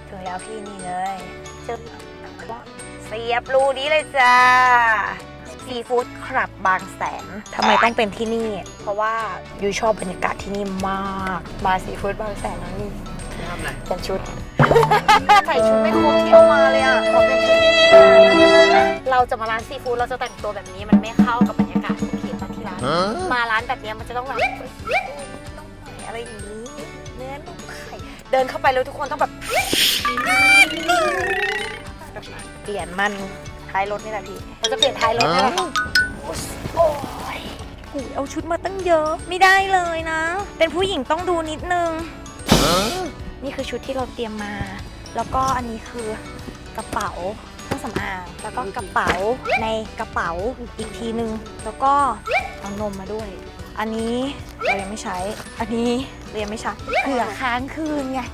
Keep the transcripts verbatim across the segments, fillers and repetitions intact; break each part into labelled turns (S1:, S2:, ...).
S1: ถึงแล้วพี่นี่เลยเจอเสียบรูนี้เลยจ้าซีฟู้ดคลับบางแสนทำไมต้องเป็นที่นี่เพราะว่ายูชอบบรรยากาศที่นี่มากมาซีฟู้ดบางแสนแล้วนี่
S2: ทำอะไร
S1: เป็นชุด ใส่ชุดไม่ครบที่เอามาเลยอ่ะขอเป็นชุดเราจะมาร้านซีฟู้ดเราจะแต่งตัวแบบนี้มันไม่เข้ากับบรรยากาศโอเคตอนที่ร้านมาร้านแบบนี้มันจะต้องแบบต้องหน่อยอะไรอย่างนี้เนื้อนุ่มไข่เดินเข้าไปแล้วทุกคนต้องแบบเปลี่ยนมันท้ายรถนี่แหละพี่เราจะเปลี่ยนท้ายรถนี่แหละโอ้ยเอาชุดมาตั้งเยอะไม่ได้เลยนะ เป็นผู้หญิงต้องดูนิดนึงนี่คือชุดที่เราเตรียมมาแล้วก็อันนี้คือกระเป๋าเครื่องสำอางแล้วก็กระเป๋าในกระเป๋าอีกทีนึงแล้วก็เอานมมาด้วยอันนี้เรายังไม่ใช้อันนี้เรายังไม่ใช้เผื่อค้างคืนไง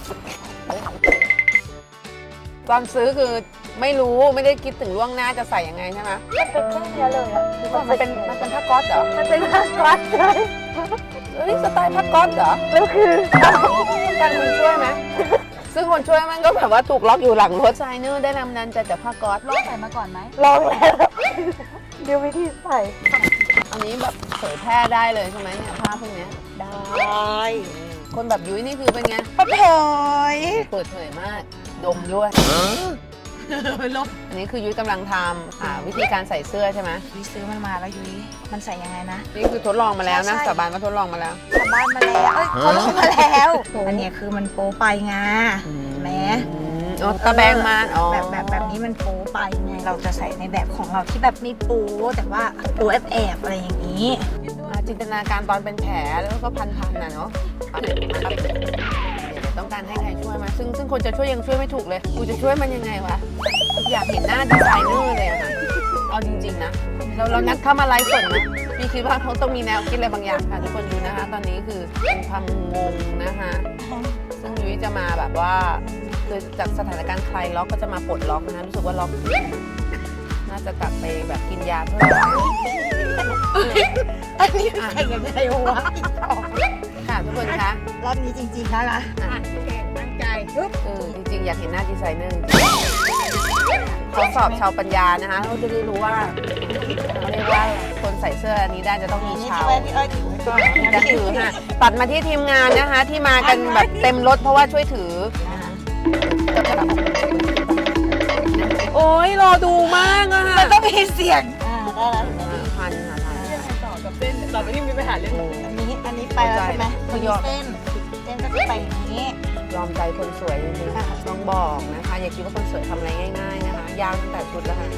S2: ตอนซื้อคือไม่รู้ไม่ได้คิดถึงล่วงหน้าจะใส่ยังไงใช่ไหม
S1: มันเป็นแค่เนี้ยเลยอ่ะ
S2: มันเป็นมันเป็นผ้าก๊อซเหรอ
S1: มันเป็นผ้าก๊อซเลย
S2: เฮ้ยสไตล์ผ้าก๊อซเหรอ
S1: แล้วคือ
S2: การคนช่วยไหมซึ่งคนช่วยมันก็แบบว่าถูกล็อกอยู่หลังรถไซเนอร์ได้นำนันจะจากผ้าก๊อซ
S3: ลองใส่มาก่อนไหม
S1: ลองแล้วเดี๋ยววิธีใส่
S2: อันนี้แบบเผยแพร่ได้เลยใช่ไหมเนี่ยผ้าพวกนี้
S1: ได้
S2: คนแบบยุ้ยนี่คือเป็นไง
S1: เปิดเผย
S2: เปิดเผยมากดมด้วยอันนี้คือยุ้ยกำลังทำอ่าวิธีการใส่เสื้อใช่ไหม
S1: ยุ้ยซื้อมันมาแล้วยุ้ยมันใส่ยังไงนะ
S2: นี่คือทดลองมาแล้วนะสาบานว่าทดลองมาแล้ว
S1: สาบานมาแล้วเอ้ยทดลองมาแล้วอันนี้คือมันโป๊ไปไงแหม
S2: อ๋อตะแบงมาอ๋อ
S1: แบบแบบแบบนี้มันโป๊ไปไงเราจะใส่ในแบบของเราที่แบบไม่โป๊แต่ว่าโป๊แอบแอบอะไรอย่างนี้
S2: จินตนาการตอนเป็นแผลแล้วก็พันๆน่ะเนาะต้องการให้ใครช่วยมาซึ่งซึ่งคนจะช่วยยังช่วยไม่ถูกเลยกูจะช่วยมันยังไงวะอยากเห็นหน้าดีไซเนอร์เลยอะค่ะเอาจริงๆนะเราเรานัดเข้ามาไลฟ์สดนะพี่คิดว่าเขาต้องมีแนวคิดอะไรบางอย่างค่ะทุกคนดูนะคะตอนนี้คือเป็นความงงนะคะซึ่งยุ้ยจะมาแบบว่าคือจากสถานการณ์คลายล็อกก็จะมาปลดล็อกนะรู้สึกว่าล็อกน่าจะกลับไปแบบกินยาเพิ่ม
S1: อันนี้ใครกันได้วะ
S2: ค่ะทุกคนคะ
S1: รอบนี้จริงๆแล้วนะตั้งใจ
S2: เออจริงๆอยากเห็นหน้าดีไซเนอร์ทดสอบชาวปัญญานะคะเราจะได้รู้ว่าเขาเรียกว่าคนใส่เสื้ออันนี้ได้จะต้องมีชาวจะถือค่ะตัดมาที่ทีมงานนะคะที่มากันแบบเต็มรถเพราะว่าช่วยถือโอ้ยรอดูมากอะค่ะ
S1: มันต้องมีเสียงอ่าได้แล้ว
S2: พันค่ะพัน
S3: ต่อกับเส้นต่อไปที่มีปัญหาเรื่อง
S1: อันนี้อันนี้ไปแล้วใช่ไหม
S2: คือยอม
S1: เส้นเส้นก็จะไปอย่างนี้
S2: ยอมใจคนสวยจริงๆต้องบอกนะคะอย่าคิดว่าคนสวยทำอะไรง่ายๆนะคะยากตั้งแต่ชุดแล้วค่ะ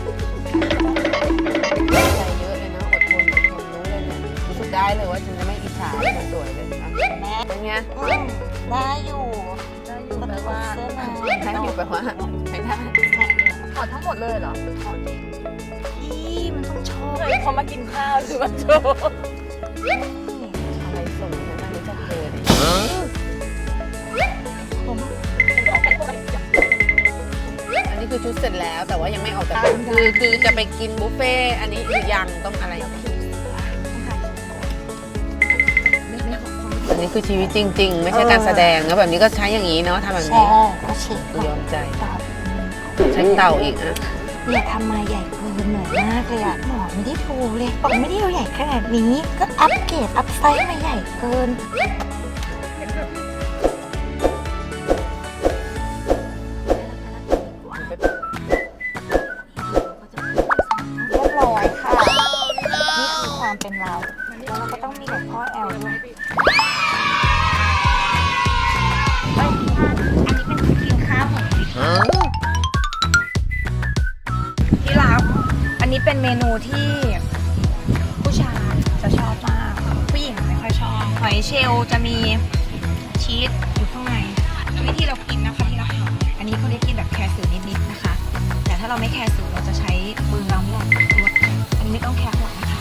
S2: ใจเยอะเลยนะอดทนอดทนรู้เลยเนี่ยรู้สึกได้เลยว่าฉันจะไม่อิจฉาคนสวยเลยนะเป็นไง
S1: ได้อยู่ได้อยู่แปลว่าเสื้อมา
S2: ได้อยู่แปลว่าไม่ได้
S3: ถอดทั้งหมดเลยเหรอ
S1: พี่มันต้องโชว์
S3: เขามากินข้าวหรือว่าโชว์
S2: อะไรส่งฉันมาไม่จะเกิดอันนี้คือชุดเสร็จแล้วแต่ว่ายังไม่ออกจากคือคือจะไปกินบุฟเฟ่อันนี้อีกอย่างต้องอะไรอันนี้คือชีวิตจริงๆไม่ใช่การแสดงนะแบบนี้ก็ใช้อย่างนี้เนาะทำแบบนี้ยอมใจใช้เต่าอีกนะ
S1: อย่าทำมาใหญ่เกินหน่อยมากเลยอะหมอไม่ได้ถูกเลยบอกไม่ได้เอาใหญ่ขนาดนี้ก็อัปเกรดอัพไซส์มาใหญ่เกินเรียบร้อยค่ะนี่คือความเป็นเราแล้วเราก็ต้องมีหลวงพ่อแอลด้วยอันนี้เป็นกินข้าวของที่ร้านอันนี้เป็นเมนูที่ผู้ชายจะชอบมากผู้หญิงไม่ค่อยชอบหอยเชลล์จะมีชีสอยู่ข้างในวิธีเรากินนะคะที่เราทำอันนี้เขาเรียกกินแบบแคร์สูนิดๆนะคะแต่ถ้าเราไม่แคร์สูเราจะใช้มือเราเนี่ยตัวอันนี้ไม่ต้องแคร์หรอกนะคะ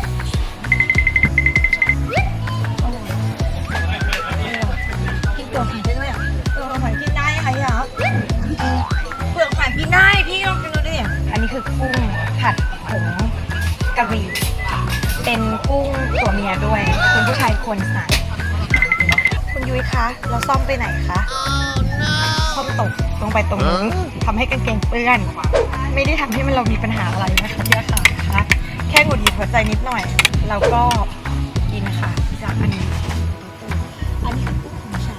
S1: กินตัวหอยได้ด้วยอ่ะตัวหอยกินได้ไหมอ่ะเปลือกหอยกินได้พี่ลองกินดูดิอันนี้คือกุ้งผัดผงกะหรี่เป็นกุ้งตัวเมียด้วยคุณผู้ชายควรสั่งคุณยุ้ยคะเราซ่อมไปไหนคะซ่อมตกลงไป
S4: ไปตรงนี้ทำให้กางเกงเปื้อน ไม่ได้ทำให้มันเรามีปัญหาอะไรนะคะพี่ค่ะนะคะแค่หงุดหงิดหัวใจนิดหน่อยเราก็กินค่ะจากอันนี้อันนี้คือกุ้งของฉัน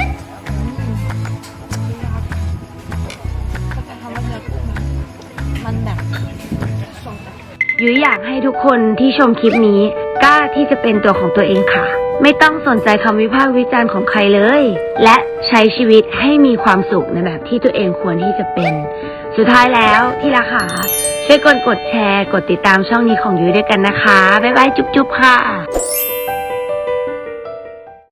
S4: เขาจะทำว่าเนื้อกุ้งมันแบบ
S5: ยุ้ยอยากให้ทุกคนที่ชมคลิปนี้กล้าที่จะเป็นตัวของตัวเองค่ะ ไม่ต้องสนใจคำวิพากษ์วิจารณ์ของใครเลย และใช้ชีวิตให้มีความสุขในแบบที่ตัวเองควรที่จะเป็น สุดท้ายแล้วที่รักค่ะช่วยกดกดแชร์กดติดตามช่องนี้ของยุ้ยด้วยกันนะคะบ๊ายบายจุ๊บๆค่ะ